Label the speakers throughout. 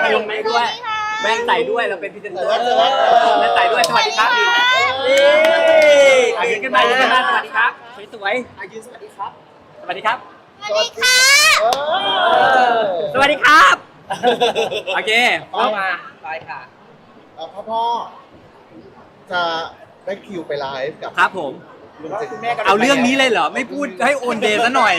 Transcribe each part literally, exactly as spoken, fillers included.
Speaker 1: ลงแม่ด้วยแม่ใส่ด้วยเราเป็นพรีเซนเตอร์แม่ใส่ด้วยสวัสดีครับนี่อายืนขึ้นมายืนขึ้นมาสวัสดีครับสวยๆอายืนสวัสดีครับสวัสดีครับ
Speaker 2: สวัสดีค่ะ
Speaker 1: สวัสดีครับโอเค
Speaker 3: เข้ามาไปค่ะ
Speaker 2: พ่อพ่อจะได้คิวไปไลฟ์กับ
Speaker 1: ครับผมเอาเรื่องนี้เลยเหรอไม่พูดให้โอนเดย์ซะหน่อย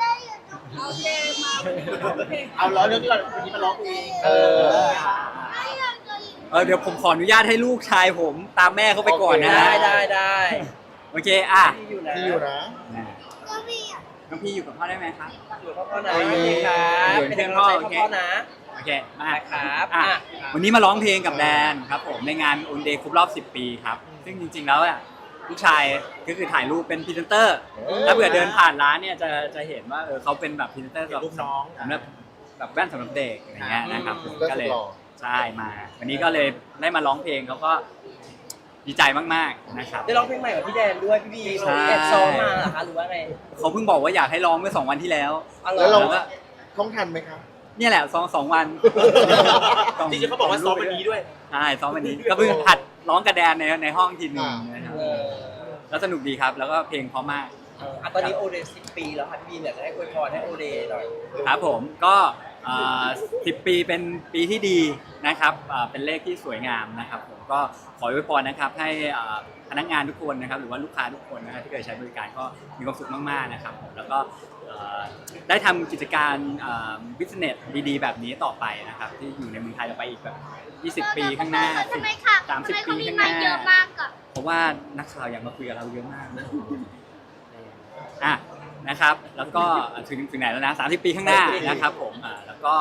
Speaker 3: เอาล้อเรื่องที่เราวันนี้มาร้องเองเออ
Speaker 1: เออเดี๋ยวผมขออนุญาตให้ลูกชายผมตามแม่เขาไปก่อนนะ
Speaker 3: ได้ได้ได้
Speaker 1: โอเคอ่ะ
Speaker 2: ที่อยู่นะที่อยู่นะ
Speaker 1: น้องพี่อยู่กับพ่อได้ไหมครับ
Speaker 3: อยู่กับพ่อนะโอเคครับเป็นกำลังใจให้พ่อนะ
Speaker 1: โอเคมา
Speaker 3: ครับ
Speaker 1: อ่ะวันนี้มาร้องเพลงกับแดนครับผมในงานโอนเดย์ครบรอบสิบปีครับซึ่งจริงๆแล้วอ่ะลูกชายก็คือถ่ายรูปเป็นพรีเซนเตอร์ถ้าเผื่อเดินผ่านร้านเนี่ยจะจะเห็นว่าเออเขาเป็นแบบพรีเซนเตอร์สำหรับน้องสำหรับแบบแว่นสำหรับเด็กอย่างเงี้ยนะครับก็เลยใช่มาวันนี้ก็เลยได้มาร้องเพลงเขาก็ดีใจมากๆนะครับ
Speaker 3: ได้ร้องเพลงใหม่กับพี่แดนด้วยพี่บีแอบซ้อมมาเหรอคะหรือว่าไง
Speaker 1: เขาเพิ่งบอกว่าอยากให้ร้องเมื่อสองวันที่แล้ว
Speaker 2: แล้วเราท่องทันไหมครับ
Speaker 1: เนี่ยแหละซ้อมสองวัน
Speaker 3: จริงๆเขาบอกว่าซ้อมวันนี้ด้วย
Speaker 1: ใช่ซ้อมวันนี้ก็เพิ่งหัดร้องกระแดนในในห้องทีนึงนะครับแล้วสนุกดีครับแล้วก็เพลงเพราะมาก
Speaker 3: อ่ะตอนนี้โอเดย์สิบปีแล้วค่ะพี่บีเนี่ยจะให้อวยพรให้โอเดย์หน่อย
Speaker 1: ครับผมก็สิบปีเป็นปีที่ดีนะครับเป็นเลขที่สวยงามนะครับผมก็ขออวยพรนะครับให้พนักงานทุกคนนะครับหรือว่าลูกค้าทุกคนนะครับที่เคยใช้บริการก็มีความสุขมากๆนะครับผมแล้วก็ได้ทำกิจการบิสเนสดีๆแบบนี้ต่อไปนะครับที่อยู่ในเมืองไทยต่อไปอีกแบบยี่สิบปีข้างหน้าสามสิบปีข้างหน้าเพราะว่านักข่าวอยากมาคุยกับเราเยอะมากอ่ะนะครับแล้วก็ถึงถึงไหนแล้วนะสามสิบปีข้างหน้านะครับผมอ่าแล้วก็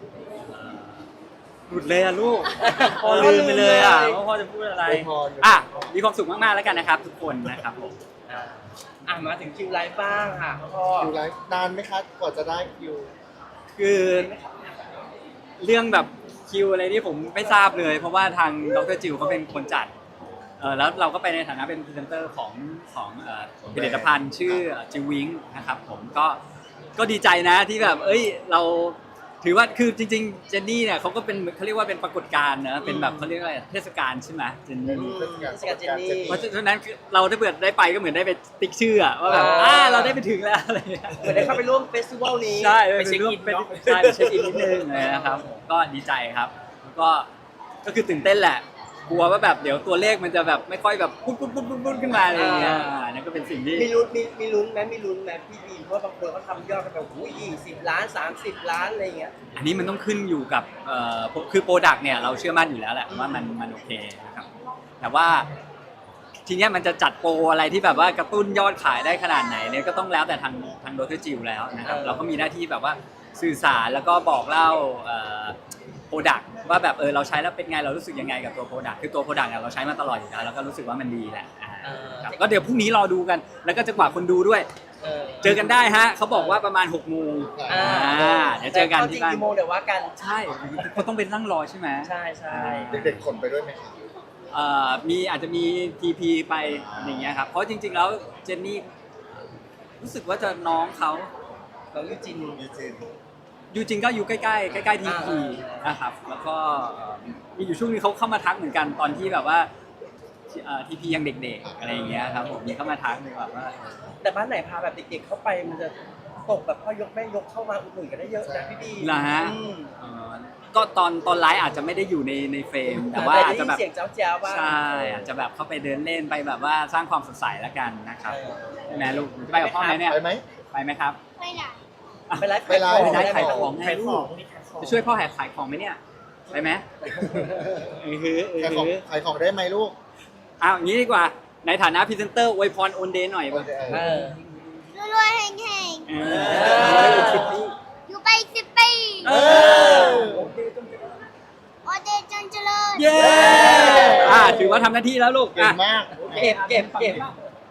Speaker 1: หลุดเลยอะลูกพอลืมไปเลยอะว่าพ่อจะพูดอะไรอ่ะมีความสุขมากๆแล้วกันนะครับทุกคนนะครับผม
Speaker 3: อ่ะมาถึงคิวไลฟ์บ้างค่ะพ่อ
Speaker 2: คิวไลฟ์นานไหมครับกว่าจะได้คิว
Speaker 1: คือเรื่องแบบคิวอะไรนี่ผมไม่ทราบเลยเพราะว่าทางดร.จิวเขาเป็นคนจัดเออแล้วเราก็ไปในฐานะเป็นพรีเซนเตอร์ของของผลิตภัณฑ์ชื่อจิววิงนะครับผมก็ก็ดีใจนะที่แบบเอ้ยเราถือว่าคือจริงๆเจนนี่เนี่ยเขาก็เป็นเขาเรียกว่าเป็นปรากฏการณ์นะเป็นแบบเขาเรียกอะไรเทศกาลใช่ไหมเจนนี่
Speaker 3: เทศกาลเจนนี่
Speaker 1: เพราะฉะนั้นเราถ้าเกิดได้ไปก็เหมือนได้ไปติ๊กชื่อว่าแบบอ่าเราได้ไปถึงแล้วอะไร
Speaker 3: เหมือนได้เข้าไปร่วมเฟสติวัลนี้
Speaker 1: ใช่ไปเช็คอินเนาะใช่ไปเช็คอินนิดนึงนะครับก็ดีใจครับก็ก็คือตื่นเต้นแหละกลัวว่าแบบเดี๋ยวตัวเลขมันจะแบบไม่ค่อยแบบปุ๊บปุ๊บปุ๊บปุ๊บขึ้นมาอะไรอย่างเงี้ยนั่นก็เป็นสิ่งที่
Speaker 3: มีลุ้นมีมีลุ้นไหมมีลุ้นไหมพี่บีเพราะบางคนเขาทำยอดกันแบบโอ้ยยี่สิบล้านสามสิบล้านอะไรเงี้ย
Speaker 1: อันนี้มันต้องขึ้นอยู่กับเอ่อคือโปรดักต์เนี่ยเราเชื่อมั่นอยู่แล้วแหละว่ามันมันโอเคนะครับแต่ว่าทีเนี้ยมันจะจัดโปรอะไรที่แบบว่ากระตุ้นยอดขายได้ขนาดไหนเนี่ยก็ต้องแล้วแต่ทางทางดร.จิวแล้วนะครับเราก็มีหน้าที่แบบว่าสื่อสารแล้วก็บอกเล่าโปรดักต์ว่าแบบเออเราใช้แล้วเป็นไงเรารู้สึกยังไงกับตัวโปรดักต์คือตัวโปรดักต์เนี่ยเราใช้มาตลอดอยู่แล้วแล้วก็รู้สึกว่ามันดีแหละก็เดี๋ยวพรุ่งนี้รอดูกันแล้วก็จะกว่าคนดูด้วยเจอกันได้ฮะเขาบอกว่าประมาณหกโมงเดี๋ยวเจอกันที่บ้าน
Speaker 3: กี่โมงเดี๋ยวว่ากัน
Speaker 1: ใช่เขาต้องเป็นนั่งรอใช่ไหม
Speaker 3: ใช่ใช่
Speaker 2: เด็กๆคนไปด้วยไหมครับ
Speaker 1: มีอาจจะมี ที พี ไปอย่างเงี้ยครับเพราะจริงๆแล้วเจนนี่รู้สึกว่าจะน้องเขา
Speaker 3: เรายูจิน
Speaker 2: ยูจิน
Speaker 1: ยูจินก็อยู่ใกล้ๆใกล้ๆทีพีนะครับแล้วก็มีอยู่ช่วงนึงเขาเข้ามาทักเหมือนกันตอนที่แบบว่าทีพียังเด็กๆอะไรอย่างเงี้ยครับผมมีเข้ามาทักเลยแบบว่า
Speaker 3: แต่บ้านไหนพาแบบเด็กๆเข้าไปมันจะตกแบบพ่อยกแม่ยกเข้ามาอุดหนุนกันได้เยอะนะพี่ดี
Speaker 1: เหรอฮะก็ตอนตอนไลฟ์อาจจะไม่ได้อยู่ในในเฟรมแต่ว่าอาจจะแบบ
Speaker 3: เสียงเจ้าๆว่า
Speaker 1: ใช่อาจจะแบบเข้าไปเดินเล่นไปแบบว่าสร้างความสดใสแล้วกันนะครับแม่ลูกไปกับพ่อไหมเนี่ย
Speaker 2: ไปไหม
Speaker 1: ไปไหมครับ
Speaker 2: ไปไหน
Speaker 3: ไปไลฟ์
Speaker 1: ไปไลฟ์ขายของขายของจะช่วยพ่อแหกขายของไหมเนี่ยไปไหมเออคือเออ
Speaker 2: ขายของได้ไหมลูก
Speaker 1: อ้าวงี้ดีกว่าในฐานะพรีเซนเตอร์อวยพรโอนเดย์หน่อยป่ะ
Speaker 2: รวยๆแห่งๆอยู่ไปสิบปีโอเดย์จันเจริญ
Speaker 1: เย้อ่าถือว่าทำหน้าที่แล้วลูก
Speaker 2: เก่งมาก
Speaker 3: เก็บเก็บเก็บ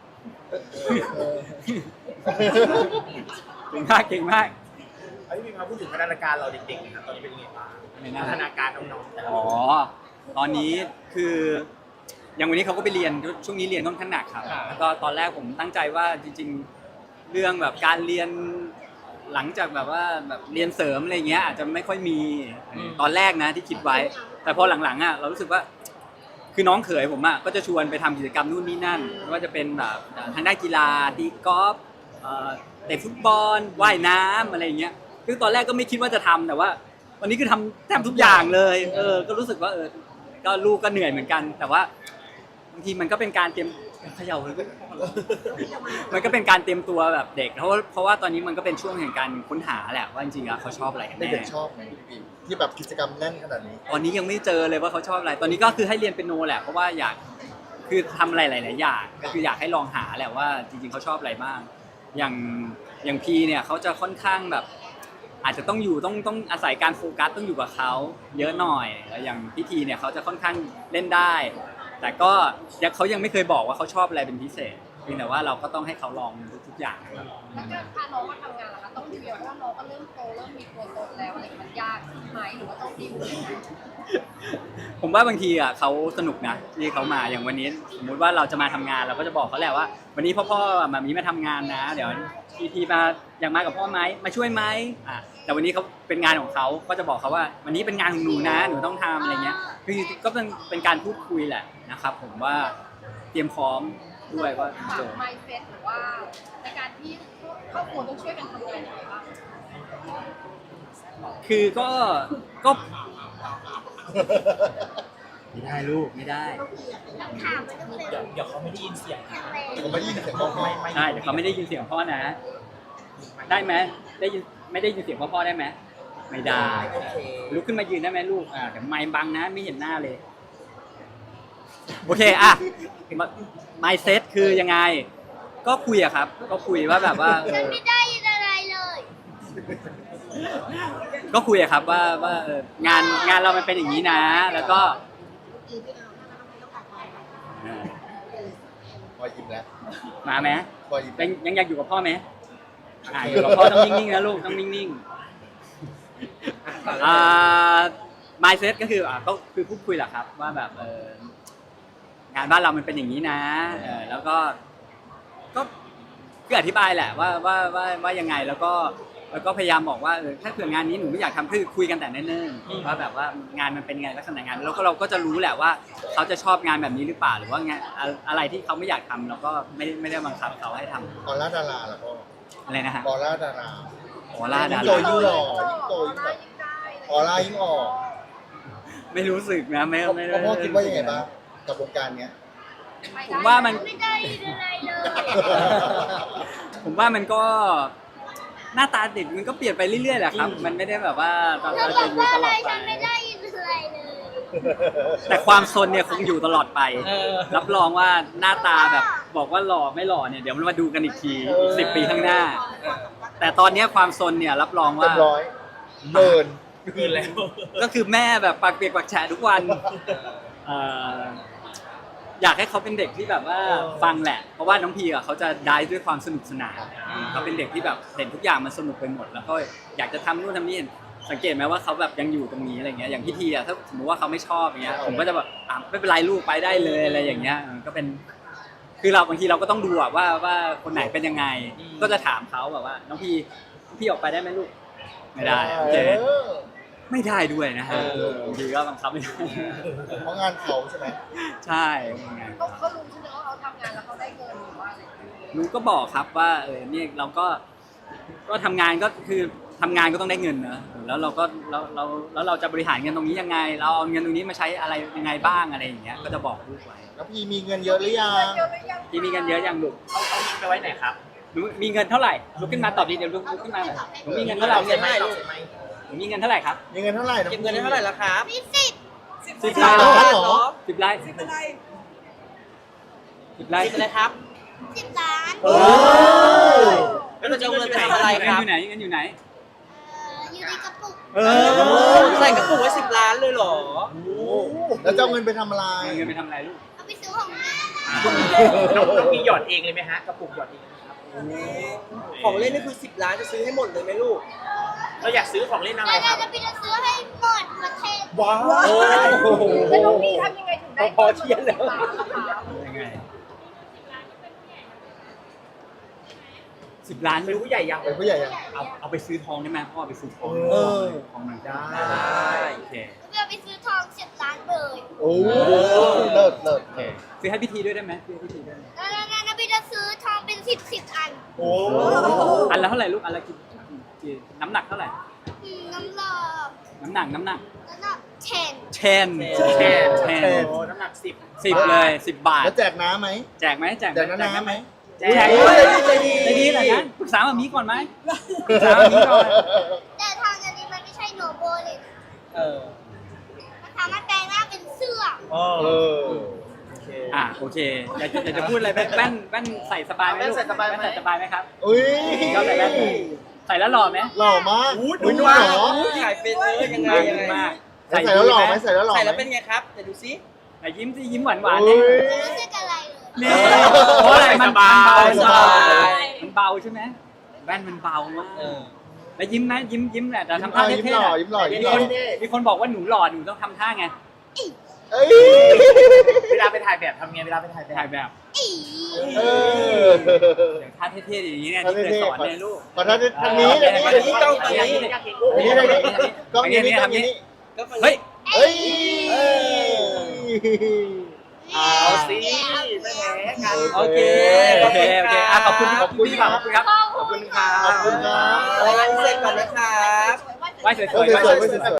Speaker 1: เก่งมากเก่งมาก
Speaker 3: ไอ้พี่มาพูดถึงพัฒนาการเราเด็กๆนะครับตอนนี้เป็นยังไงบ้างพัฒนาการน้องๆ
Speaker 1: อ๋อตอนนี้คืออย่างวันนี้เขาก็ไปเรียนช่วงนี้เรียนค่อนข้างหนักครับแล้วก็ตอนแรกผมตั้งใจว่าจริงๆเรื่องแบบการเรียนหลังจากแบบว่าแบบเรียนเสริมอะไรเงี้ยอาจจะไม่ค่อยมีตอนแรกนะที่คิดไว้ แต่พอหลังๆอ่ะเรารู้สึกว่าคือน้องเขยผมอ่ะก็จะชวนไปทำกิจกรรมนู่นนี่นั่นไม่ว่าจะเป็นแบบทางด้านกีฬาตีกอล์ฟเอ่อเตะฟุตบอลว่ายน้ำอะไรอย่างเงี้ยคือตอนแรกก็ไม่คิดว่าจะทำแต่ว่าวันนี้คือทำแทบทุกอย่างเลยเออก็รู้สึกว่าเออก็ลูกก็เหนื่อยเหมือนกัน แต่ว่าบางทีมันก็เป็นการเตรียมเขย่าเลยมันก็เป็นการเตรียมตัวแบบเด็กเพราะเพราะว่าตอนนี้มันก็เป็นช่วงแห่งการค้นหาแหละว่าจริงๆแล้วเขาชอบอะไรกันแน่
Speaker 4: เด็กๆชอบไหมพี่ปีที่แบบกิจกรรมแน่นขนาดนี้
Speaker 1: ตอนนี้ยังไม่เจอเลยว่าเขาชอบอะไร ตอนนี้ก็คือให้เรียนเปียโนแหละ เพราะว่าอยาก คือทำอะไรหลายๆอย่าง ก็คืออยากให้ลองหาแหละว่าจริงๆเขาชอบอะไรบ้าง อย่างอย่างพีเนี่ยเขาจะค่อนข้างแบบ อาจจะต้องอยู่ต้องต้องอาศัยการโฟกัสต้องอยู่กับเขาเยอะหน่อยแล้วอย่างพี่ทีเนี่ยเขาจะค่อนข้างเล่นได้ แต่ก็ยังเขายังไม่เคยบอกว่าเขาชอบอะไรเป็นพิเศษเพียงแต่ว่าเราก็ต้องให้เขาลองทุกๆอย่างครับ
Speaker 5: แล้วการพาน้องมาทำงานล่ะคะต้องดิวอย่างว่าน้องก็เริ่มโตเริ่มมีตัวตนแล้วอะไรมันยากไหมหรือว่าต้องดิวยังไง
Speaker 1: ผมว่าบางทีอ่ะเขาสนุกนะที่เขามาอย่างวันนี้สมมุติว่าเราจะมาทำงานเราก็จะบอกเขาแหละว่า วันนี้พ่อพ่อมามีมาทำงานนะ เดี๋ยวทีทีมาอยากมากับพ่อไหมมาช่วยไหมอ่ะแต่วันนี้เขาเป็นงานของเขาก็จะบอกเขาว่า วันนี้เป็นงานของหนูนะหนูต้องทำอะไรเงี้ยคือก็เป็นเป็นการพูดคุยแหละนะครับ ผมว่าเตรียมพร้อมด้วยว่า
Speaker 5: ปรับ
Speaker 1: โจทย์
Speaker 5: mindset หรือว่าในการที่ครอบครัวต้องช่วยกันทำงานยังไงบ้าง
Speaker 1: คือก็ก็ไม่ได้ลูกไม่ได้
Speaker 2: ถามมันก็เป็น
Speaker 3: เดี๋ยวเดี๋ยวเขาไม่ได้ยินเสียง
Speaker 2: ทำไม
Speaker 4: ผมไม่ได้ยินเสียงพ่อพ่อ
Speaker 1: ใช่เดี๋ยวเขาไม่ได้ยินเสียงพ่อนะ ได้ไหมได้ยินไม่ได้ยินเสียงพ่อพ่อได้ไหมไม่ได้
Speaker 3: โอเค
Speaker 1: ลุกขึ้นมายืนได้ไหมลูกอ่าเดี๋ยวไมค์บังนะไม่เห็นหน้าเลยโอเคอ่ะไมค์เซตคือยังไง ก็คุยอะครับ ก็คุยว่าแบบว่าเอ
Speaker 2: ฉัน
Speaker 1: อ
Speaker 2: ไม่ได้ยินอะไรเลย
Speaker 1: ก็คุยอะครับว่าว่าเอองานงานเรามันเป็นอย่างนี้นะ แล้วก็เออ
Speaker 4: พอยิ้มแล้ว
Speaker 1: มาไหม
Speaker 4: พอยิ้ม
Speaker 1: ยังยังอยากอยู่กับพ่อไหมอ่าอยู่กับพ่อต้องนิ่งๆนะลูกต้องนิ่งๆอ่า mindset ก็คืออ่าก็คือพูดคุยแหละครับ ว่าแบบเอองานบ้านเรามันเป็นอย่างนี้นะเออแล้วก็ก็คืออธิบายแหละว่าว่าว่าว่ายังไงแล้วก็แล้วก็พยายามบอกว่าเออถ้าเผื่องานนี้หนูไม่อยากทำคือคุยกันแต่เนิ่นๆว่าแบบว่างานมันเป็นไงลักษณะงานแล้วก็เราก็จะรู้แหละว่าเขาจะชอบงานแบบนี้หรือเปล่าหรือว่างานอะไรที่เขาไม่อยากทำเราก็ไม่ไม่ได้บังคับเขาให้ทำ
Speaker 4: ออร่าดาราแล้วก็
Speaker 1: อะไรนะฮะ
Speaker 4: ออร่าดารา
Speaker 1: ออร่าดา
Speaker 4: ยิ่งโต
Speaker 1: รา
Speaker 4: ยิ่งหล่อยิ่งโตยิ่งแบบออร่ายิ่งออก
Speaker 1: ไม่รู้สึกนะไม่ไม่
Speaker 4: พ่อพ่อคิดว่ายังไงบ้างกับวงการเนี้ย
Speaker 1: ผมว่ามัน
Speaker 2: ไม่ได้ยินอะไรเลย
Speaker 1: ผมว่ามันก็หน้าตาเด็กมันก็เปลี่ยนไปเรื่อยๆแหละครับ มันไม่ได้แบบว่าเรา
Speaker 2: เธอ
Speaker 1: เรา
Speaker 2: บอ
Speaker 1: จะ
Speaker 2: ก
Speaker 1: อยู่
Speaker 2: ว่า
Speaker 1: ต
Speaker 2: อะ
Speaker 1: ล
Speaker 2: ไร
Speaker 1: อดไป
Speaker 2: ฉันไม่ได้ยินอะไรเลย
Speaker 1: แต่ความซนเนี่ยคงอยู่ตลอดไป
Speaker 3: เออ
Speaker 1: รับรองว่าหน้าตาแบบบอกว่าหล่อไม่หล่อเนี่ยเดี๋ยวมันมาดูกันอีกทีอีกสิบปีข้างหน้า แต่ตอนเนี้ยความซนเนี่ยรับรอง
Speaker 4: เต็
Speaker 1: ว่า
Speaker 4: มร้อยเบิร์น
Speaker 3: คืนแล้ว
Speaker 1: ก็คือแม่แบบปากเปียกปากแฉะทุกวันเอ่ออยากให้เขาเป็นเด็กที่แบบว่าฟังแหละ เพราะว่าน้องพีอ่ะเขาจะได้ด้วยความสนุกสนานเขาเป็นเด็กที่แบบเห็นทุกอย่างมันสนุกไปหมด แล้วก็อยากจะทำนู่นทำนี่สังเกตไหมว่าเขาแบบยังอยู่ตรงนี้อะไรเงี้ยอย่างพี่ทีอ่ะถ้าสมมติว่าเขาไม่ชอบอย่างเงี้ยผมก็จะแบบอ่ะไม่เป็นไรลูกไปได้เลยอะไรอย่างเงี้ยมันก็เป็น คือเราบางทีเราก็ต้องดูอะว่าว่าคนไหนเป็นยังไง ก็จะถามเขาแบบว่าน้องพีพี่ออกไปได้ไหมลูกไม่ได้โอเค
Speaker 4: เออ
Speaker 1: ไม่ได้ด้วยนะฮะ
Speaker 4: เออ
Speaker 1: บางทีก็บังคับไม่ได้
Speaker 4: เพราะงานเขาใช่ไหม
Speaker 1: ใช่ยังไง
Speaker 5: เขาเขารู้ใช่ไหมว่าเขาทำงานแล้วเขาได้เงินหรือว่าอะไร
Speaker 1: รู้ก็บอกครับว่าเออเนี่ยเราก็ก็ทำงานก็คือทำงานก็ต้องได้เงินนะแล้วเราก็เราเราแล้วเราจะบริหารเงินตรงนี้ยังไง เราเอาเงินตรงนี้มาใช้อะไรยังไงบ้างอะไรอย่างเงี้ยก็จะบอกลูกไว้
Speaker 4: แล้วพี่มีเงินเยอะหรือยัง
Speaker 5: เยอะหรือยัง
Speaker 1: พี่มีเงินเยอะยังลูก
Speaker 3: เอาเอาไปไว้ไหนครับ
Speaker 1: หนูมีเงินเท่าไหร่ลุกขึ้นมาตอบดีเดี๋ยวลุกลุกขึ้นมาหน่อยหนูมีเงินเท่าไหร่
Speaker 3: เงินไหมลูก
Speaker 1: หนูมีเงินเท่าไหร่ครับ
Speaker 4: มีเงินเท่าไหร่ะ
Speaker 3: เก็บเงินได้เท่าไหร่แล้วครับ
Speaker 2: มีสิบ
Speaker 1: สิบ
Speaker 4: ล้านเหรอ
Speaker 1: สิบไร่
Speaker 3: สิบอะไร
Speaker 1: สิบไร่
Speaker 3: สิบอะไรครับ
Speaker 2: สิบล้าน
Speaker 4: โอ้
Speaker 3: แล้วเราจะเอาเงินไปทำอะไร
Speaker 1: เงิ
Speaker 3: คน รับ
Speaker 1: อยู่ไหนเงินอยู่ไหน
Speaker 2: เอ่ออยู่ในกระปุก
Speaker 1: เอ
Speaker 3: ใส่กระปุกไว้สิบล้านเลยเหรอ
Speaker 4: แล้วจะเอาเงินไปทำอะไร
Speaker 1: เอาเงินไปทำอะไรลูก
Speaker 2: เอาไปซื้อของเล่น
Speaker 3: น้องน้องมีหยอดเองเลยไหมฮะกระปุกหยอดเองนะครับของเล่นนี่คือสิบล้านจะซื้อให้หมดเลยไหมลูก เราอยากซื้อของเล่นอะไร
Speaker 2: แล้ว
Speaker 3: ค
Speaker 2: เรา
Speaker 3: รับ
Speaker 2: จะไปซื้อให้หมดประเทศ
Speaker 3: ว้าว
Speaker 5: แล้วน้องพีทำยังไงถึงได้
Speaker 3: พอเทียนแล้ว
Speaker 1: ยังไงสิบล้าน
Speaker 3: เป็นผู้ใหญ่ยัง
Speaker 4: เป็นผู้ใหญ่ยัง
Speaker 1: เอาเอาไปซื้อทองได้ไหมพ่อไปซื้อทอง
Speaker 4: เออ
Speaker 1: ทองมัน
Speaker 3: ได้
Speaker 1: โอเค
Speaker 2: เพื่อไปซื้อทองสิบล้านเลย
Speaker 4: โอ้เลิศเลิศ
Speaker 1: โอเคซื้อให้พิธีด้วยได้ไหมซื้อให้พิธีด้วย
Speaker 2: แล้วแล้วแล้วพี่จะซื้อทองเป็นสิบสิบอัน
Speaker 4: โอ้
Speaker 1: อันละเท่าไหร่ลูกอันละกี่กี่น้ำหนักเท่าไหร่
Speaker 2: อืมน้ำหลอก
Speaker 1: น้ำหนักน้ำหนัก
Speaker 2: แล้วก็เชน
Speaker 1: เชน
Speaker 3: แค่
Speaker 1: เชน
Speaker 3: โอ้น้ำหนักสิบ
Speaker 1: สิบเลยสิบบาท
Speaker 4: แล้วแจกน้ำไหม
Speaker 1: แจกไหมแจกไหม
Speaker 4: แจกน้ำน้ำไหม
Speaker 3: แจ
Speaker 1: แจก
Speaker 3: ก
Speaker 1: ด้วย
Speaker 3: ใจดี
Speaker 1: ใจดีเลยนะปรึกษามามีก่อนไหมปรึกษามามีก่อน
Speaker 2: แต่ทองอันนี้มันไม่ใช่โนโบเลยนะ
Speaker 3: เออ
Speaker 2: มันสามารถแปลงร่างเป็นเสื้อ
Speaker 3: อ๋อ
Speaker 4: เออ
Speaker 3: โอเค
Speaker 1: อ่ะโอเคอยากจะอยากจะพูดอะไรแว่นแว่นแว่นใส่สบายไหมลูก
Speaker 3: แว่นใส่สบายไหม
Speaker 1: แว่นใส่สบายไหมครับ
Speaker 4: อุ้ย
Speaker 1: ชอบใส่แว่นใส่แล้วหล่อไหม
Speaker 4: หล่อมาก
Speaker 3: อู้
Speaker 4: อุ้ย
Speaker 3: ดู
Speaker 4: ดู
Speaker 3: ว่า
Speaker 4: หล่อ
Speaker 3: ถ่ายเป็นเลยยังไง
Speaker 1: มาก
Speaker 3: ยังไง
Speaker 1: มาก
Speaker 4: ใส่แล้วหล่อไหมใส่แล้วหล่อ
Speaker 3: ใส่
Speaker 4: ไหม
Speaker 3: แล้วเป็นไงครับเดี๋ยวดูซิ
Speaker 1: แต่ยิ้มสิยิ้มหวานหวาน
Speaker 4: อุ้
Speaker 1: เนี่ย
Speaker 4: ย
Speaker 2: ไม่รู้สึกอะไรเลย
Speaker 1: นี่เพราะอะไรมัน
Speaker 3: สบาย
Speaker 1: มันเบา
Speaker 3: สบาย
Speaker 1: มันเบาใช่ไหมแว่นมันเบามาก
Speaker 3: เออ
Speaker 1: แล้วยิ้มไหมยิ้มยิ้มแหละแต่ทำ
Speaker 4: ยิ้
Speaker 1: ท่าม
Speaker 4: ยิ้ม
Speaker 1: เท่
Speaker 4: ห
Speaker 1: ๆ
Speaker 4: ล่อ
Speaker 1: อะ
Speaker 4: ยิ้มหล่อยิ้ม
Speaker 1: มี
Speaker 4: หล่อ
Speaker 1: คนมีคนบอกว่าหนูหล่อหนูต้องทำท่าไง
Speaker 4: เอ้ย
Speaker 3: เวลาไปถ่ายแบบทำไงเวลาไปถ่ายแบบ
Speaker 1: ถ่ายแบบ
Speaker 2: อี
Speaker 4: เออ
Speaker 1: อย่างท่าเท่ๆอย่างนี้เนี่ยที่เคยสอนเนี่ยลูก
Speaker 4: ขอท่านทางนี้
Speaker 1: เออ
Speaker 4: ทาง
Speaker 1: อัน
Speaker 4: นี้
Speaker 1: นี้
Speaker 4: กล้อง
Speaker 1: อั
Speaker 4: ทาง
Speaker 1: นนี้
Speaker 4: นี้
Speaker 1: อันนี้
Speaker 4: ทางนี้ทางนี้กล้องนี้กล้องนี้
Speaker 3: ก็ฟัง
Speaker 1: เฮ้ย
Speaker 4: เอ้ย
Speaker 3: เอาสิไม่แพ้กัน
Speaker 1: โอเคโอเคโอเคอ่ะขอบคุณ
Speaker 4: ขอบคุณ
Speaker 1: พี่
Speaker 4: ครับ
Speaker 1: ขอบคุณครับ
Speaker 3: ขอบคุณครับ
Speaker 4: ขอบคุณครับ
Speaker 3: รายงานพิเศษก่อนนะครับ
Speaker 1: ไหว้สวยๆ
Speaker 4: สวยๆสวยๆ